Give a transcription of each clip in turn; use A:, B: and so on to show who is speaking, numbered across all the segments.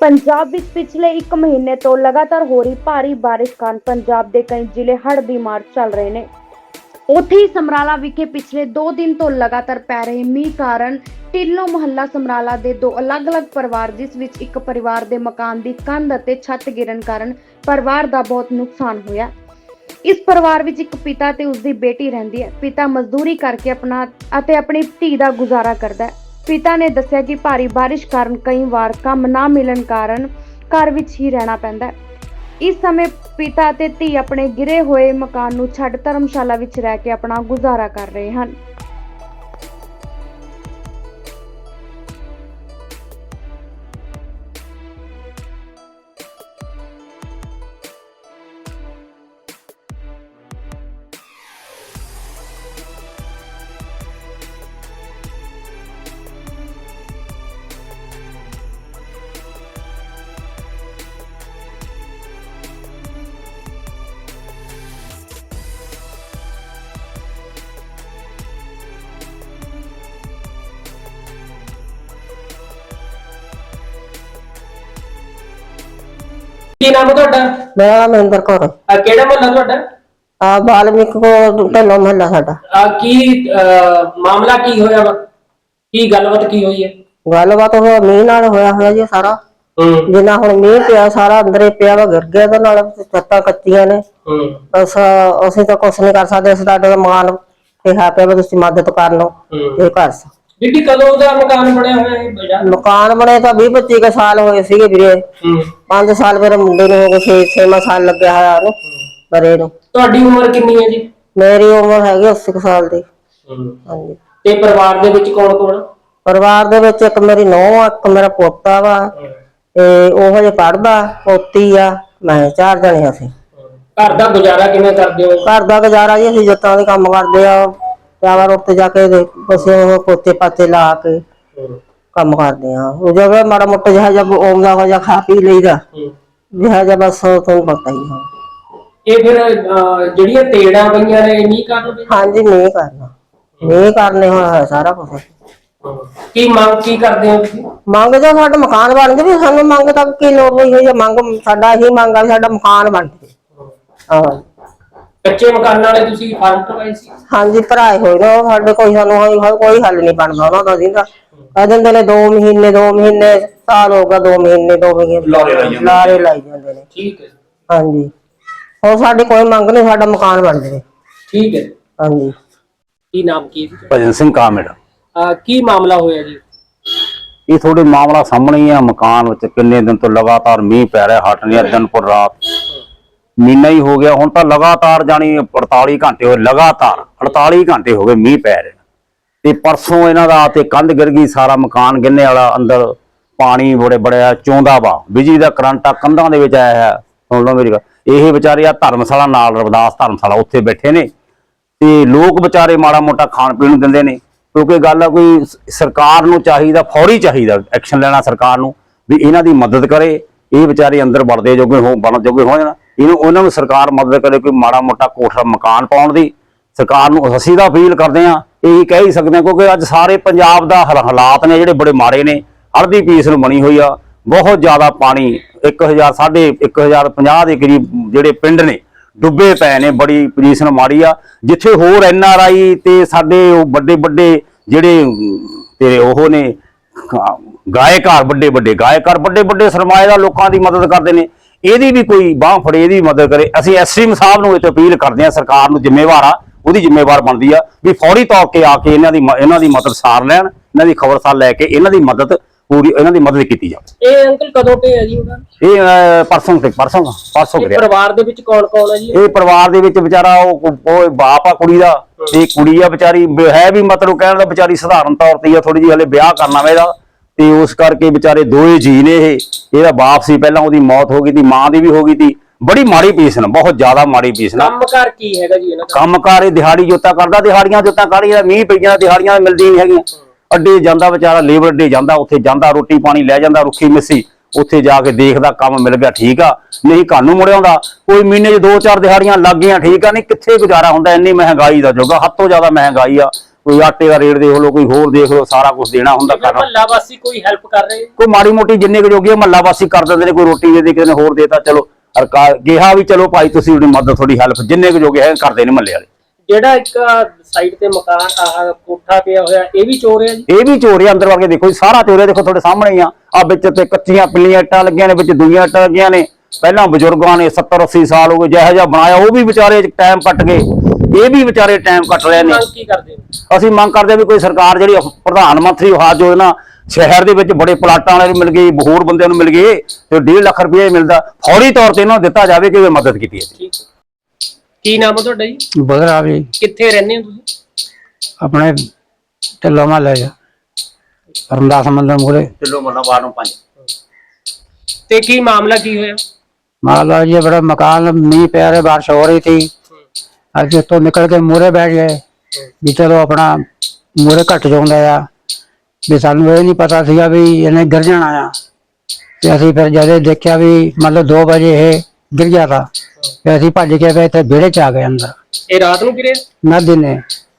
A: ਪੰਜਾਬ ਵਿੱਚ ਪਿਛਲੇ 1 ਮਹੀਨੇ ਤੋਂ ਲਗਾਤਾਰ ਹੋ ਰਹੀ ਭਾਰੀ ਬਾਰਿਸ਼ ਕਾਰਨ ਪੰਜਾਬ ਦੇ ਕਈ ਜ਼ਿਲ੍ਹੇ ਹੜ੍ਹ ਦੀ ਮਾਰ ਚੱਲ ਰਹੇ ਨੇ। ਉੱਥੇ ਹੀ ਸਮਰਾਲਾ ਵਿਖੇ ਪਿਛਲੇ 2 ਦਿਨ ਤੋਂ ਲਗਾਤਾਰ ਪੈ ਰਹੇ ਮੀਂਹ ਕਾਰਨ ਢਿੱਲੋਂ ਮੁਹੱਲਾ ਸਮਰਾਲਾ ਦੇ 2 ਅਲੱਗ-ਅਲੱਗ ਪਰਿਵਾਰ, ਜਿਸ ਵਿੱਚ ਇੱਕ ਪਰਿਵਾਰ ਦੇ ਮਕਾਨ ਦੀ ਕੰਧ ਅਤੇ ਛੱਤ ਗਿਰਨ ਕਾਰਨ ਪਰਿਵਾਰ ਦਾ ਬਹੁਤ ਨੁਕਸਾਨ ਹੋਇਆ। ਇਸ ਪਰਿਵਾਰ ਵਿੱਚ ਇੱਕ ਪਿਤਾ ਤੇ ਉਸ ਦੀ ਬੇਟੀ ਰਹਿੰਦੀ ਹੈ। ਪਿਤਾ ਮਜ਼ਦੂਰੀ ਕਰਕੇ ਆਪਣੀ ਧੀ ਦਾ ਗੁਜ਼ਾਰਾ ਕਰਦਾ ਹੈ। ਪਿਤਾ ਨੇ ਦੱਸਿਆ ਕਿ ਭਾਰੀ ਬਾਰਿਸ਼ ਕਾਰਨ ਕਈ ਵਾਰ ਕੰਮ ਨਾ ਮਿਲਣ ਕਾਰਨ ਘਰ ਵਿੱਚ ਹੀ ਰਹਿਣਾ ਪੈਂਦਾ ਹੈ। ਇਸ ਸਮੇਂ ਪਿਤਾ ਅਤੇ ਧੀ ਆਪਣੇ ਗਿਰੇ ਹੋਏ ਮਕਾਨ ਨੂੰ ਛੱਡ ਧਰਮਸ਼ਾਲਾ ਵਿੱਚ ਰਹਿ ਕੇ ਆਪਣਾ ਗੁਜ਼ਾਰਾ ਕਰ ਰਹੇ ਹਨ।
B: ਕੀ ਨਾਮ ਹੈ ਤੁਹਾਡਾ?
C: ਮੇਰਾ ਨਾਮ ਮਹਿੰਦਰ ਕੌਰ ਹੈ।
B: ਕਿਹੜਾ ਮੁਹੱਲਾ ਤੁਹਾਡਾ?
C: ਬਾਲਮੀਕ ਕੋ ਢਿੱਲੋਂ ਮੁਹੱਲਾ ਸਾਡਾ।
B: ਕੀ ਮਾਮਲਾ ਕੀ ਹੋਇਆ ਵਾ? ਕੀ ਗੱਲਬਾਤ ਕੀ ਹੋਈ ਹੈ?
C: ਗੱਲਬਾਤ ਹੋਇਆ ਮੀਂਹ ਨਾਲ ਹੋਇਆ ਜੀ ਸਾਰਾ। ਜਿੰਨਾ ਹੁਣ ਮੀਂਹ ਪਿਆ ਸਾਰਾ ਅੰਦਰੇ ਪਿਆ ਵਾ, ਗਿਰ ਗਿਆ ਉਹਦੇ ਨਾਲ, ਛੱਤਾਂ ਕੱਚੀਆਂ ਨੇ। ਬਸ ਅਸੀਂ ਤਾਂ ਕੁਛ ਨਹੀਂ ਕਰ ਸਕਦੇ। ਅਸੀਂ ਤੁਹਾਡੇ ਮਾਨ ਕਿਹਾ ਪਿਆ ਵੀ ਤੁਸੀਂ ਮਦਦ ਕਰ ਲਓ ਇਹ ਘਰ।
B: ਬੀਬੀ ਕਦੋਂ ਦਾ ਮਕਾਨ ਬਣਿਆ ਹੋਇਆ ਹੈ?
C: ਮਕਾਨ ਬਣੇ ਤਾਂ 20-25 ਸਾਲ ਹੋਏ ਸੀਗੇ ਵੀਰੇ। 5 ਸਾਲ ਮੇਰੇ ਮੁੰਡੇ ਨੂੰ ਹੋ ਗਏ, 6ਵਾਂ ਸਾਲ ਲੱਗਿਆ ਹੋਇਆ ਉਹਨੂੰ ਬਰੇ ਨੂੰ।
B: ਤੁਹਾਡੀ ਉਮਰ ਕਿੰਨੀ ਹੈ ਜੀ?
C: ਮੇਰੀ ਉਮਰ ਹੈਗੀ 80 ਸਾਲ ਦੀ। ਹਾਂਜੀ।
B: ਤੇ ਪਰਿਵਾਰ ਦੇ ਵਿੱਚ ਕੌਣ ਕੌਣ?
C: ਪਰਿਵਾਰ ਦੇ ਵਿੱਚ ਇੱਕ ਮੇਰੀ ਨੂੰਹ ਆ, ਇੱਕ ਮੇਰਾ ਪੋਤਾ ਵਾ, ਤੇ ਉਹ ਹਜੇ ਪੜਦਾ, ਪੋਤੀ ਆ, ਮੈਂ 4 ਜਣੇ ਅਸੀਂ।
B: ਘਰ ਦਾ ਗੁਜ਼ਾਰਾ ਕਿਵੇਂ ਕਰਦੇ ਹੋ?
C: ਘਰ ਦਾ ਗੁਜ਼ਾਰਾ ਜੀ ਅਸੀਂ ਜੱਤਾਂ ਦੇ ਕੰਮ ਕਰਦੇ ਆ। ਚਾਵਲ ਉੱਤੇ ਜਾ ਕੇ ਬਸੇ ਉਹ ਪੋਤੇ ਪਾਤੇ ਲਾ ਕੇ ਕੰਮ ਕਰਦੇ ਆ। ਉਹ ਜਗ੍ਹਾ ਮਾੜਾ ਮੋਟਾ ਜਿਹਾ ਜਬ ਆਉਂਦਾ ਹੋ ਜਾ ਖਾ ਪੀ ਲਈਦਾ ਜਿਹਾ ਜਿਹਾ, ਬਸ ਤੁਹਾਨੂੰ ਪਤਾ ਹੀ ਹੈ।
B: ਇਹ ਫਿਰ ਜਿਹੜੀਆਂ ਤੇੜਾਂ ਪਈਆਂ ਨੇ ਨਹੀਂ ਕਰਨ?
C: ਹਾਂਜੀ, ਨਹੀਂ ਕਰਨਾ, ਨਹੀਂ ਕਰਨੇ ਹੋਇਆ ਸਾਰਾ ਕੁਛ।
B: ਕੀ ਮੰਗ ਕੀ ਕਰਦੇ ਹੋ ਤੁਸੀਂ?
C: ਮੰਗ ਜੋ ਸਾਡਾ ਮਕਾਨ ਬਣ ਜਾਵੇ। ਸਾਨੂੰ ਮੰਗ ਤੱਕ ਕੀ ਲੋੜ ਹੋਈ ਹੈ? ਮੰਗ ਸਾਡਾ ਇਹੀ ਮੰਗ ਆ ਵੀ ਸਾਡਾ ਮਕਾਨ ਬਣ ਜਾਵੇ। ਹਾਂ,
B: ਕੱਚੇ ਮਕਾਨਾਂ ਵਾਲੇ ਤੁਸੀਂ ਫਾਰਮ ਕਰਵਾਏ ਸੀ?
C: ਹਾਂਜੀ, ਭਰਾਏ ਹੋਏ ਨੇ ਸਾਡੇ। ਕੋਈ ਸਾਨੂੰ ਕੋਈ ਹੱਲ ਨਹੀਂ ਬਣਦਾ ਉਹਨਾਂ ਦਾ। ਜਿੰਦਾ ਕਹਿ ਦਿੰਦੇ ਨੇ 2 ਮਹੀਨੇ ਸਾਲ ਹੋ ਗਿਆ, 2 ਮਹੀਨੇ ਲਾਰੇ ਲਾਈ ਜਾਂਦੇ ਨੇ।
B: ਠੀਕ ਹੈ।
C: ਹਾਂਜੀ, ਹੋਰ ਸਾਡੀ ਕੋਈ ਮੰਗ ਨਹੀਂ, ਸਾਡਾ ਮਕਾਨ ਬਣ ਜਾਵੇ।
B: ਠੀਕ ਹੈ।
C: ਹਾਂਜੀ।
B: ਕੀ ਨਾਮ ਕੀ ਹੈ?
D: ਭਜਨ ਸਿੰਘ ਕਾਮੇੜ।
B: ਕੀ ਮਾਮਲਾ ਹੋਇਆ ਜੀ?
D: ਇਹ ਥੋੜੇ ਮਾਮਲਾ ਸਾਹਮਣੇ ਹੀ ਆ। ਮਕਾਨ ਵਿੱਚ ਕਿੰਨੇ ਦਿਨ ਤੋਂ ਲਗਾਤਾਰ ਮੀਂਹ ਪੈ ਰਿਹਾ, ਹਟ ਨਹੀਂ। ਦਿਨ ਪਰ ਰਾਤ ਮਹੀਨਾ ਹੀ ਹੋ ਗਿਆ ਹੁਣ ਤਾਂ। ਲਗਾਤਾਰ ਜਾਣੀ 48 ਘੰਟੇ ਹੋਏ, ਲਗਾਤਾਰ 48 ਘੰਟੇ ਹੋ ਗਏ ਮੀਂਹ ਪੈ ਰਿਹਾ। ਤੇ ਪਰਸੋਂ ਇਹਨਾਂ ਦਾ ਤੇ ਕੰਧ ਗਿਰ ਗਈ, ਸਾਰਾ ਮਕਾਨ ਗਿਰਨੇ ਵਾਲਾ, ਅੰਦਰ ਪਾਣੀ ਬੜਿਆ ਚੋਂਦਾ ਵਾ। ਬਿਜਲੀ ਦਾ ਕਰੰਟ ਆ ਕੰਧਾਂ ਦੇ ਵਿੱਚ ਆਇਆ ਹੈ। ਸੁਣ ਲਓ ਮੇਰੀ ਗੱਲ। ਇਹ ਵਿਚਾਰੇ ਆ ਧਰਮਸ਼ਾਲਾ ਨਾਲ, ਰਵਿਦਾਸ ਧਰਮਸ਼ਾਲਾ, ਉੱਥੇ ਬੈਠੇ ਨੇ। ਤੇ ਲੋਕ ਵਿਚਾਰੇ ਮਾੜਾ ਮੋਟਾ ਖਾਣ ਪੀਣ ਨੂੰ ਦਿੰਦੇ ਨੇ, ਕਿਉਂਕਿ ਗੱਲ ਆ ਕੋਈ ਸਰਕਾਰ ਨੂੰ ਚਾਹੀਦਾ, ਫੌਰੀ ਚਾਹੀਦਾ ਐਕਸ਼ਨ ਲੈਣਾ ਸਰਕਾਰ ਨੂੰ ਵੀ ਇਹਨਾਂ ਦੀ ਮਦਦ ਕਰੇ। ਇਹ ਵਿਚਾਰੇ ਅੰਦਰ ਬਣਨ ਜੋਗੇ ਹੋ ਜਾਣ। ਉਹਨਾਂ ਨੂੰ ਸਰਕਾਰ ਮਦਦ ਕਰੇ, ਕੋਈ ਮਾੜਾ ਮੋਟਾ ਕੋਠਾ ਮਕਾਨ ਪਾਉਣ ਦੀ। ਸਰਕਾਰ ਨੂੰ ਅਸੀਂ ਤਾਂ ਅਪੀਲ ਕਰਦੇ ਹਾਂ, ਇਹੀ ਕਹਿ ਹੀ ਸਕਦੇ ਹਾਂ, ਕਿਉਂਕਿ ਅੱਜ ਸਾਰੇ ਪੰਜਾਬ ਦਾ ਹਾਲਾਤ ਨੇ ਜਿਹੜੇ ਬੜੇ ਮਾੜੇ ਨੇ। ਹੜ੍ਹ ਦੀ ਪੀਸ ਨੂੰ ਬਣੀ ਹੋਈ ਆ, ਬਹੁਤ ਜ਼ਿਆਦਾ ਪਾਣੀ। 1050 ਦੇ ਕਰੀਬ ਜਿਹੜੇ ਪਿੰਡ ਨੇ ਡੁੱਬੇ ਪਏ ਨੇ। ਬੜੀ ਪੋਜੀਸ਼ਨ ਮਾੜੀ ਆ। ਜਿੱਥੇ ਹੋਰ NRI ਤੇ ਸਾਡੇ ਵੱਡੇ ਜਿਹੜੇ ਤੇ ਉਹ ਨੇ ਗਾਇਕਾਰ, ਵੱਡੇ ਸਰਮਾਏਦਾਰ ਲੋਕਾਂ ਦੀ ਮਦਦ ਕਰਦੇ ਨੇ। ਇਹਦੀ ਵੀ ਕੋਈ ਬਾਂਹ ਫੜੇ, ਇਹਦੀ ਮਦਦ ਕਰੇ। ਅਸੀਂ SDM ਸਾਹਿਬ ਨੂੰ ਇਹ ਅਪੀਲ ਕਰਦੇ ਹਾਂ, ਸਰਕਾਰ ਨੂੰ ਜ਼ਿੰਮੇਵਾਰ ਆ, ਉਹਦੀ ਜ਼ਿੰਮੇਵਾਰ ਬਣਦੀ ਆ ਵੀ ਫੌਰੀ ਤੌਰ ਤੇ ਆ ਕੇ ਇਹਨਾਂ ਦੀ ਮਦਦ ਸਾਰ ਲੈਣ, ਇਹਨਾਂ ਦੀ ਖਬਰਸਾਰ ਲੈ ਕੇ ਇਹਨਾਂ ਦੀ ਮਦਦ ਕੀਤੀ ਜਾਵੇ।
B: ਇਹ ਅੰਕਲ ਕਦੋਂ ਪਿਆ ਜੀ ਉਹਨਾਂ?
D: ਇਹ ਪਰਸੋਂ ਕਰਿਆ।
B: ਪਰਿਵਾਰ ਦੇ ਵਿੱਚ ਕੌਣ ਕੌਣ ਹੈ ਜੀ?
D: ਇਹ ਪਰਿਵਾਰ ਦੇ ਵਿੱਚ ਵਿਚਾਰਾ ਉਹ ਬਾਪ ਆ ਕੁੜੀ ਦਾ, ਤੇ ਕੁੜੀ ਆ ਵਿਚਾਰੀ ਹੈ ਵੀ ਮਤਲਬ ਕਹਿਣ ਦਾ ਵਿਚਾਰੀ ਸਧਾਰਨ ਤੌਰ ਤੇ ਆ, ਥੋੜੀ ਜਿਹੀ ਹਲੇ ਵਿਆਹ ਕਰਨਾ ਵਾ ਇਹਦਾ। ਤੇ ਉਸ ਕਰਕੇ ਵਿਚਾਰੇ 2 ਜੀ ਨੇ। ਇਹਦਾ ਬਾਪ ਸੀ ਪਹਿਲਾਂ, ਉਹਦੀ ਮੌਤ ਹੋ ਗਈ ਸੀ, ਮਾਂ ਦੀ ਵੀ ਹੋ ਗਈ ਸੀ। ਬੜੀ ਮਾੜੀ ਪੀਸਨ, ਬਹੁਤ ਜ਼ਿਆਦਾ ਮਾੜੀ ਪੀਸਨ।
B: ਕੰਮਕਾਰ ਕੀ ਹੈਗਾ ਜੀ ਇਹਨਾਂ ਦਾ?
D: ਕੰਮਕਾਰ ਇਹ ਦਿਹਾੜੀ ਜੋਤਾ ਕਰਦਾ। ਦਿਹਾੜੀਆਂ ਜੋਤਾ ਕਾਹਦੀਆਂ, ਮੀਂਹ ਪਈਆਂ ਦਿਹਾੜੀਆਂ ਮਿਲਦੀ ਨਹੀਂ ਹੈਗੀਆਂ। ਅੱਡੇ ਜਾਂਦਾ ਵਿਚਾਰਾ, ਲੇਬਰ ਅੱਡੇ ਜਾਂਦਾ, ਉੱਥੇ ਜਾਂਦਾ, ਰੋਟੀ ਪਾਣੀ ਲੈ ਜਾਂਦਾ, ਰੁੱਖੀ ਮਿੱਸੀ ਉੱਥੇ ਜਾ ਕੇ ਦੇਖਦਾ, ਕੰਮ ਮਿਲ ਗਿਆ ਠੀਕ ਆ, ਨਹੀਂ ਘਰ ਨੂੰ ਮੁੜ ਆਉਂਦਾ। ਕੋਈ ਮਹੀਨੇ 'ਚ 2-4 ਦਿਹਾੜੀਆਂ ਲੱਗ ਗਈਆਂ ਠੀਕ ਆ, ਨਹੀਂ ਕਿੱਥੇ ਗੁਜ਼ਾਰਾ ਹੁੰਦਾ। ਇੰਨੀ ਮਹਿੰਗਾਈ ਦਾ ਜੋਗਾ, ਹੱਦ ਤੋਂ ਜ਼ਿਆਦਾ ਮਹਿੰਗਾਈ ਆ। ਕੋਈ ਆਟੇ ਦਾ ਰੇਟ ਦੇਖ ਲਓ, ਕੋਈ ਹੋਰ ਦੇਖ ਲਓ, ਸਾਰਾ ਕੁਝ ਦੇਣਾ ਹੁੰਦਾ ਕਰਨਾ।
B: ਮਹੱਲਾ ਵਾਸੀ ਕੋਈ ਹੈਲਪ ਕਰ ਰਹੇ?
D: ਕੋਈ ਮਾੜੀ ਮੋਟੀ ਜਿੰਨੇ ਕੁ ਜੋਗੀ ਮਹੱਲਾ ਵਾਸੀ ਕਰ ਦਿੰਦੇ ਨੇ, ਕੋਈ ਰੋਟੀ ਦੇ ਦੇ, ਕਿਸੇ ਨੇ ਹੋਰ ਦੇਤਾ, ਚਲੋ ਕਿਹਾ ਵੀ ਚਲੋ ਭਾਈ ਤੁਸੀਂ ਉਹਦੀ ਮਦਦ, ਤੁਹਾਡੀ ਹੈਲਪ ਜਿੰਨੇ ਕੁ ਜੋਗੇ ਹੈ ਕਰਦੇ ਨੇ ਮਹੱਲੇ ਵਾਲੇ।
B: ਜਿਹੜਾ ਇੱਕ ਸਾਈਡ ਤੇ ਮਕਾਨ ਆਹ ਕੋਠਾ ਪਿਆ ਹੋਇਆ, ਇਹ ਵੀ ਚੋਰ ਹੈ ਜੀ?
D: ਇਹ ਵੀ ਚੋਰੀ ਅੰਦਰ ਵੜ ਕੇ ਦੇਖੋ ਜੀ, ਸਾਰਾ ਚੋਰੀ ਦੇਖੋ ਤੁਹਾਡੇ ਸਾਹਮਣੇ ਹੀ ਆ ਵਿੱਚ ਤੇ ਕੱਚੀਆਂ ਪਿੱਲੀਆਂ ਇੱਟਾਂ ਲੱਗੀਆਂ ਨੇ, ਵਿੱਚ ਦੂਈਆਂ ਇੱਟਾਂ ਲੱਗੀਆਂ ਨੇ। ਪਹਿਲਾਂ ਬਜ਼ੁਰਗਾਂ ਨੇ 70-80 ਸਾਲ ਹੋ ਗਏ ਜਿਹੋ ਜਿਹਾ ਬਣਾਇਆ, ਉਹ ਵੀ ਵਿਚਾਰੇ ਟਾਈਮ ਕੱਟ ਗਏ, ਇਹ ਵੀ ਵਿਚਾਰੇ ਟਾਈਮ ਕੱਟ ਰਹੇ ਨੇ।
B: ਮੰਗ ਕੀ ਕਰਦੇ ਹੋ?
D: ਅਸੀਂ ਮੰਗ ਕਰਦੇ ਵੀ ਕੋਈ ਸਰਕਾਰ ਜਿਹੜੀ ਪ੍ਰਧਾਨ ਮੰਤਰੀ ਆਵਾਸ ਯੋਜਨਾ ਸ਼ਹਿਰ ਦੇ ਵਿੱਚ ਬੜੇ ਪਲਾਟਾਂ ਵਾਲੇ ਨੂੰ ਮਿਲ ਗਈ, ਹੋਰ ਬੰਦਿਆਂ ਨੂੰ ਮਿਲ ਗਏ, ਤੇ 1.5 ਲੱਖ ਰੁਪਏ ਮਿਲਦਾ, ਫੌਰੀ ਤੌਰ ਤੇ ਇਹਨਾਂ ਨੂੰ ਦਿੱਤਾ ਜਾਵੇ ਕਿ ਇਹ ਮਦਦ ਕੀਤੀ ਹੈ।
B: ਠੀਕ। ਕੀ ਨਾਮ ਹੈ ਤੁਹਾਡਾ ਜੀ?
E: ਬਦਰਾ ਵੀ
B: ਕਿੱਥੇ ਰਹਿੰਦੇ ਹੋ ਤੁਸੀਂ?
E: ਆਪਣੇ ਢਿੱਲੋਂ ਮਹੱਲੇ ਚ ਰਮਦਾਸ ਮੰਦਰ ਮੂਹਰੇ।
D: ਢਿੱਲੋਂ ਮਹੱਲਾ ਵਾਰਡ ਨੰਬਰ 5।
B: ਤੇ ਕੀ ਮਾਮਲਾ ਕੀ ਹੋਇਆ?
E: माला जी बड़ा मकान मीह पै रहे, बारिश हो रही थी, अज तो निकल के मूहरे बैठ गए भी चलो अपना मूहरे घट जाता आ भी, सानू ये नहीं पता सीगा भी इन्हें गिर जाना आ। ते असीं फिर जद देखिया भी मतलब 2 बजे ये गिर गया था, फिर असीं भज के फिर इत्थे विहड़े च आ गए अंदर।
B: ਇਹ ਰਾਤ ਨੂੰ ਗਿਰਿਆ?
E: ना दिने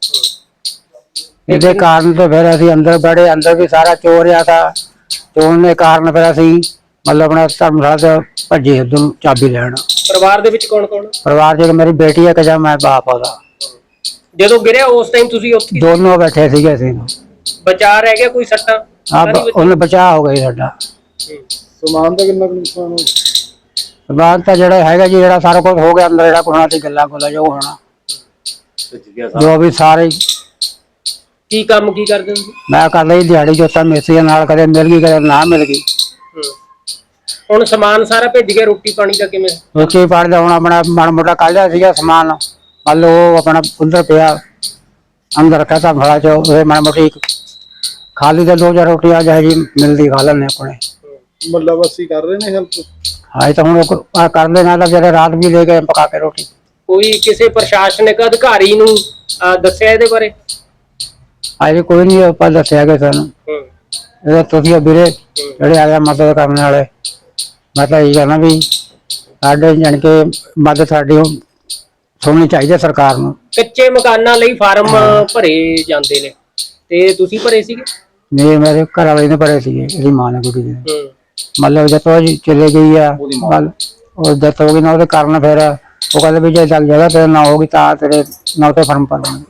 E: इहदे कारण तो फिर असीं अंदर बड़े, अंदर भी सारा चोर रहा था, चोर ने कारण फिर असीं मतलब अपना धर्मशाला से भजे उधर चाबी लैन।
B: ਪਰਿਵਾਰ ਦੇ ਵਿੱਚ ਕੌਣ ਕੌਣ?
E: परिवार च मेरी बेटी है, कजा मैं बाप ਉਹਦਾ।
B: ਜਦੋਂ ਗਿਰਿਆ ਉਸ ਟਾਈਮ ਤੁਸੀਂ ਉੱਥੇ
E: दोनों बैठे ਸੀਗੇ ਅਸੀਂ।
B: ਬਚਾ ਰਹਿ ਗਿਆ? ਕੋਈ ਸੱਟਾਂ?
E: ਉਹਨੇ ਬਚਾਅ ਹੋ ਗਈ ਸਾਡਾ।
F: ਸਮਾਨ ਦਾ ਕਿੰਨਾ ਕੁ ਨੁਕਸਾਨ ਹੋਇਆ?
E: ਸਮਾਨ ਤਾਂ ਜਿਹੜਾ ਹੈਗਾ ਜੀ, ਜਿਹੜਾ ਸਾਰਾ ਕੁਝ ਹੋ ਗਿਆ ਅੰਦਰ, ਜਿਹੜਾ ਕੁਛ ਹੋਣਾ ਸੀ ਗੱਲਾਂ ਗੁੱਲਾਂ ਜੋ ਹੋਣਾ, ਜੋ ਵੀ ਸਾਰੇ।
B: ਕੀ ਕੰਮ ਕੀ ਕਰਦੇ ਹੋ?
E: ਮੈਂ ਕਰ ਲਈ ਦਿਹਾੜੀ ਜੋਤਾਂ ਮਿਸਤਰੀਆਂ ਨਾਲ, ਕਦੇ ਮਿਲ ਗਈ ਕਦੇ ਨਾ ਮਿਲ ਗਈ।
B: ਹੁਣ ਸਮਾਨ ਸਾਰਾ ਭੇਜ ਗਿਆ, ਰੋਟੀ ਪਾਣੀ ਦਾ ਕਿਵੇਂ?
E: ਰੋਟੀ ਪਾਣੀ ਦਾ ਹੁਣ ਆਪਣਾ ਮਾੜਾ ਮੋਟਾ ਕੱਢ ਲਿਆ ਸੀਗਾ ਸਮਾਨ, ਮੰਨ ਲਓ ਉਹ ਆਪਣਾ ਉਧਰ ਪਿਆ ਅੰਦਰ ਰੱਖਿਆ ਤਾਂ ਭਲਾ ਚੋ ਮਾੜਾ ਮੋਟੀ ਖਾਲੀ ਤੇ 2-4 ਰੋਟੀਆਂ ਜਿਹੇ ਜੀ ਮਿਲਦੀ ਖਾ ਲੈਂਦੇ ਆਪਣੇ।
F: ਮਹੱਲਾ ਵਾਸੀ ਕਰ ਰਹੇ ਨੇ ਹੈਲਪ?
E: ਹਾਂ ਤਾਂ ਹੁਣ ਕਰਦੇ ਨਾਲ ਤਾਂ ਜਿਹੜੇ ਰਾਤ ਵੀ ਲੈ ਗਏ ਪਕਾ ਕੇ ਰੋਟੀ।
B: ਕੋਈ ਕਿਸੇ ਪ੍ਰਸ਼ਾਸਨਿਕ ਅਧਿਕਾਰੀ ਨੂੰ ਦੱਸਿਆ ਇਹਦੇ ਬਾਰੇ?
E: ਅਜੇ ਕੋਈ ਨਹੀਂ ਆਪਾਂ ਦੱਸਿਆ ਕਿ ਸਾਨੂੰ ਇਹ ਤੁਸੀਂ ਵੀਰੇ ਜਿਹੜੇ ਆਇਆ ਮਦਦ ਕਰਨ ਵਾਲੇ, ਮੈਂ ਤਾਂ ਇਹ ਕਹਿਣਾ ਵੀ ਸਾਡੇ ਜਾਣੀ ਕਿ ਮਦਦ ਸਾਡੀ ਸੁਣਨੀ ਚਾਹੀਦੀ ਹੈ ਸਰਕਾਰ ਨੂੰ।
B: ਕੱਚੇ ਮਕਾਨਾਂ ਲਈ ਫਾਰਮ ਭਰੇ ਜਾਂਦੇ ਨੇ, ਤੇ ਤੁਸੀਂ ਭਰੇ ਸੀਗੇ?
E: ਨਹੀਂ, ਮੇਰੇ ਘਰ ਵਾਲੇ ਨੇ ਭਰੇ ਸੀਗੇ, ਇਹਦੀ ਮਾਂ ਨੇ ਕੁੜੀ ਨੇ। ਮਤਲਬ ਜਦੋਂ ਚਲੇ ਗਈ ਆ ਉਹ ਡੈਥ ਹੋ ਗਈ ਨਾ, ਉਹਦੇ ਕਾਰਨ ਫਿਰ ਉਹ ਕਹਿੰਦੇ ਵੀ ਜੇ ਜਗ੍ਹਾ ਤੇ ਨਾ ਹੋਗੀ ਤਾਂ ਤੇਰੇ ਨਾਂ ਤੇ ਫਾਰਮ ਭਰਾਂਗੇ।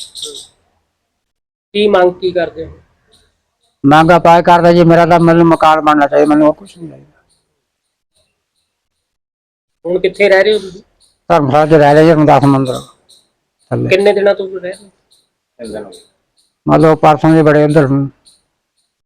B: ਕੀ ਮੰਗ ਕੀ ਕਰਦੇ ਹੋ?
E: ਮੰਗਾ ਪਾਏ ਕਰਦਾ ਜੀ, ਮੇਰਾ ਤਾਂ ਮੈਨੂੰ ਮਕਾਨ ਬਣਨਾ ਚਾਹੀਦਾ, ਮੈਨੂੰ ਹੋਰ ਕੁਛ ਨਹੀਂ ਚਾਹੀਦਾ।
B: ਹੁਣ ਕਿੱਥੇ ਰਹਿ ਰਹੇ ਹੋ ਤੁਸੀਂ?
E: ਧਰਮਸ਼ਾਲਾ ਚ ਰਹਿ ਰਹੇ ਜੀ, ਰਮਦਾਸ ਮੰਦਰ ਥੱਲੇ।
B: ਕਿੰਨੇ ਦਿਨਾਂ ਤੋਂ ਰਹਿ ਰਹੇ ਹੋ?
E: ਮਤਲਬ ਪਰਸੋਂ ਦੇ ਬੜੇ ਉਧਰ